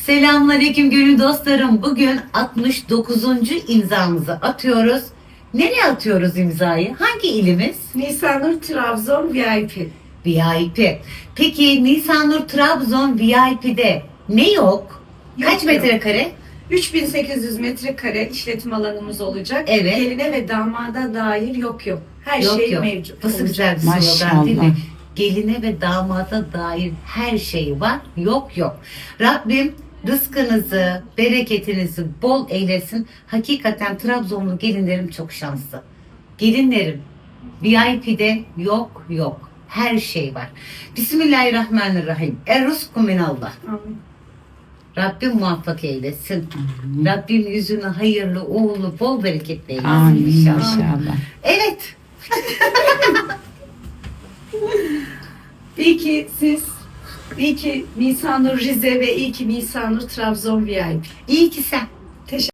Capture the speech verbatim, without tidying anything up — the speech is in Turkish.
Selamünaleyküm gönül dostlarım. Bugün altmış dokuzuncu imzamızı atıyoruz. Nereye atıyoruz imzayı? Hangi ilimiz? Nisanur Trabzon V I P. V I P. Peki Nisanur Trabzon V I P'de ne yok? Yok, Kaç yok. metrekare? üç bin sekiz yüz metrekare işletim alanımız olacak. Evet. Geline ve damada dair yok yok. Her Yok şey yok. mevcut. Nasıl olacak. güzel bir slogan değil mi? Maşallah. Geline ve damada dair her şey var. Yok yok. Rabbim rızkınızı, bereketinizi bol eylesin. Hakikaten Trabzonlu gelinlerim çok şanslı. Gelinlerim V I P'de yok yok. Her şey var. Bismillahirrahmanirrahim. Er-Rızku minallah. Amin. Rabbim muvaffak eylesin. Rabbim yüzünü hayırlı, uğurlu, bol bereketli eylesin Amin inşallah. inşallah. Evet. İyi ki siz, iyi ki Nisanur Rize ve iyi ki Nisanur Trabzon V I P. İyi ki sen. Teşekkür